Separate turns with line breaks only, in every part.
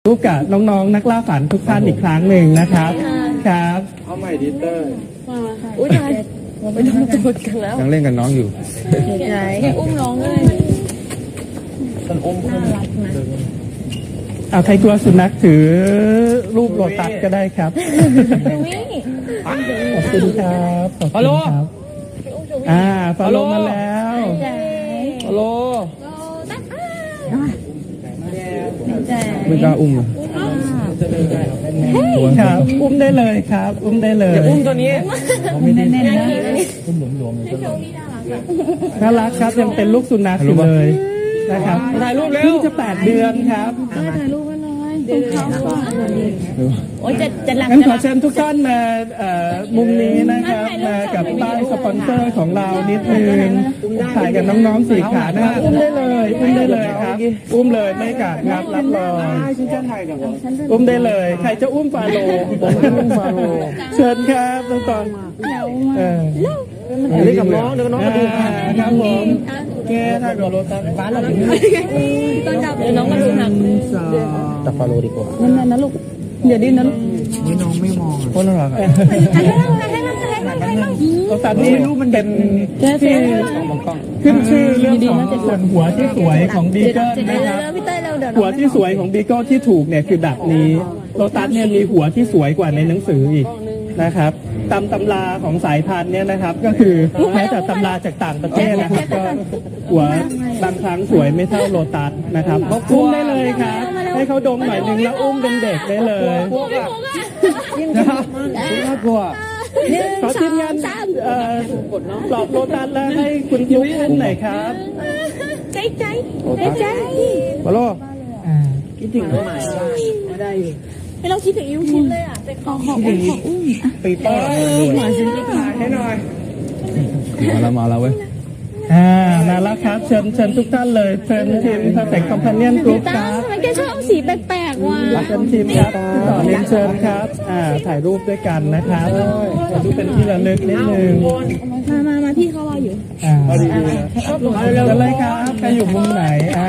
รูปกับน้องๆนักล่าฝันทุกท่านอีกครั้งหนึ่งนะครับครับ
เอาใหม่ดิเตอร์
อุ้ยตายไม่ต้องตูดกันแล้ว
ยังเล่นกับน้องอยู่
ไหนอุ้มน้องเลย
มันอุ้มน่ารักนะ
เอาใครกลัวสุนัขถือรูปโลตัสก็ได้ครับขอบคุณครับขอบคุณครับฟอลโลมาแล้ว
ฮัลโหลไม่กล้าอุ้ม
ครับอุ้มได้เลยครับอุ้มได้เลย
อุ้มตัวนี้
แน่ๆนะอุ้มหลวมๆน่ารักครับยังเป็นลูกสุนัขอยู่เลยนะครับ
ถ่ายรูปเร็ว
เพิ่งจะ8 เดือนครับ
ถ่ายรูปกันหน่อยตรงเขาโอ้ยจะหลัง
งั้นขอเชิญทุกท่านมามุมนี้นะครับมากับป้ายสปอนเซอร์ของเรานิดนึงถ่ายกับน้องๆ4 ขานะครับอุ้มได้เลยครับอุ้มเลยไม่กัดครับรับรองอุ้มได้เลยใครจะอุ้มฟาโลเชิญครับทุกคน
เล่นกับน้องเดี๋ยวน้องมาดู
ครับผมแกถ้ากับโรตัสฟ้าเราถึง
ต้องจับน้องมาดูหนัก
จับฟาโลดีกว่า
นั่นนะลูกเดี๋ยวดิ้นนะลูก
นี่น้องไม่มองโคตรน่ารัก
โรตัสนี่รูปมันเป็นที่ขึ้นชื่อเรื่องของส่วนหัวที่สวยของบีเกิลนะครับหัวที่สวยของบีเกิลที่ถูกเนี่ยคือแบบนี้โรตัสเนี่ยมีหัวที่สวยกว่าในหนังสืออีกนะครับตำราของสายพันธุ์เนี่ยนะครับก็คือแม้แต่ตำราจากต่างประเทศนะครับก็หัวบางครั้งสวยไม่เท่าโลตัสนะครับอุ้มได้เลยครับให้เขาดมหน่อยนึงแล้วอุ้มเป็นเด็กได้เลย
น่ากลัว
ขอทีมงานปลอบโลตัสแล้วให้คุณยุ้ยอุ้มหน่อยครับ
ใจ
ฮัลโหล
คิดถึงใหม่ได้
ให้เราคิดถึงยิ้วชิ้นเลยอ่ะเป็นของอุ้ม
ปีเตอร์
มาชิ้นที่ถ่าย
ให้หน่อย
มาแล้วเว้ย
มาแล้วครับเชิญทุกท่านเลยเชิญทีม Perfect Companion Group ครับ
ทำไมแกชอบเอาสีแปลกๆว่ะ
เชิญทีมครับต่อเรียนเชิญครับถ่ายรูปด้วยกันนะครับถ่ายรูปเป็นที่ระลึกนิดนึง
มาพี่เขารออยู่
จะเลยครับใครอยู่มุมไหน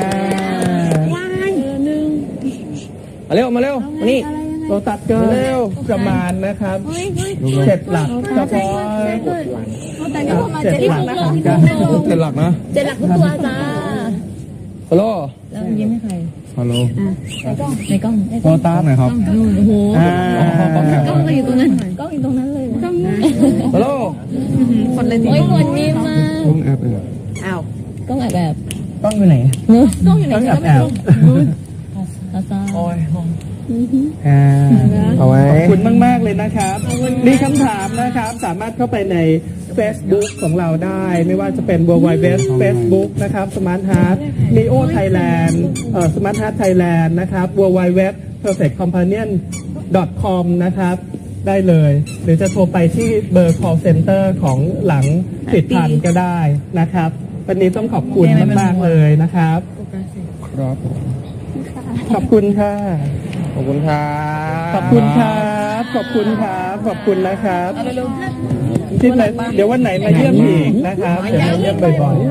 มาเร็วมานี่
โลตัสก็ประมาณนะครับ7 หลักเฉพาะ7 หลักนะครับ
7 หลักนะ
7 หลักทุกตัวจ้า
ฮัลโหล
ยิ้มให้ใคร
ฮัลโหล
ในกล้อง
โลตัสหน่อยครับ
โอ้โหกล้องอยู่ตรงนั้นกล้องอยู่ตรงนั้นเลยกล้อง
ฮัลโหล
คนเลยโอ้ยคนนี้มาก
ล้องแอบ
อ้าวกล้องแอบ
กล้องอยู่ไหน
กล้องอยู่ไหน
แอบ
โอ้ย
ขอบคุณมากๆเลยนะครับมีคำถามนะครับสามารถเข้าไปใน Facebook ของเราได้ไม่ว่าจะเป็น www Facebook นะครับ Smart Heart Neo Thailand Smart Heart Thailand นะครับ www perfectcompanion.com นะครับได้เลยหรือจะโทรไปที่เบอร์ call center ของหลังติดพันก็ได้นะครับวันนี้ต้องขอบคุณมากๆเลยนะครับ
ครับ
ขอบคุณค่ะ
ขอบคุณครับ
ขอบคุณครับขอบคุณครับขอบคุณนะครับที่ไหนเดี๋ยววันไหนมาเยี่ยมอีกนะครับเดี๋ยวมาเยี่ยมบ่อยๆ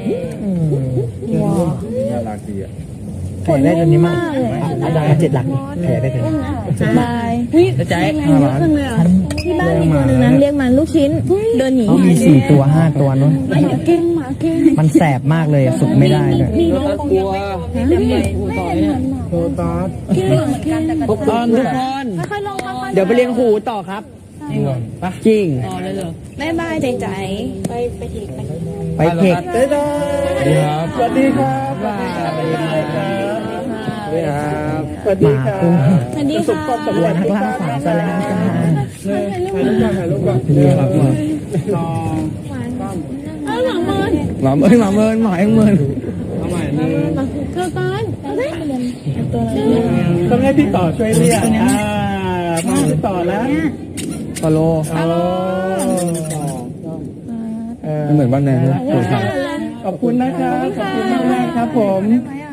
น่ารักดีอ่ะ
แผลได้ตัวนี้มากได้7 หลักแผลได้เลย
บาย
จะใจ
ที่บ้านมีตัวนึงนั้นเรียกมันลูกชิ้นเดินหนี
เขามี4 ตัว 5 ตัวนู้นมันแสบมากเลยฝึกไม่ได้เลย
กลัว
โลตัส
ทุกคนเดี๋ยวไปเรียนหูต่อครับจริง
บ๊ายบายใจ
ไปเทค
สวัสดีครับสวัสดีครับสวัสดีครับสวัสดีครับประสบความสำเร็จ
นักล่าฝันซะแล้วจ้า
ถ่ายรูปก่อน
ครับมาหมาเมินหมาเองเมิน
เอาใหม่เธอตอนต้องให้พี่ต่อช่วยเรียกมาพี่ต่อแล้ว
ฮัลโหลเหมือนบ้านแนนเลย
ขอบคุณนะครับขอบคุณมากๆครับผม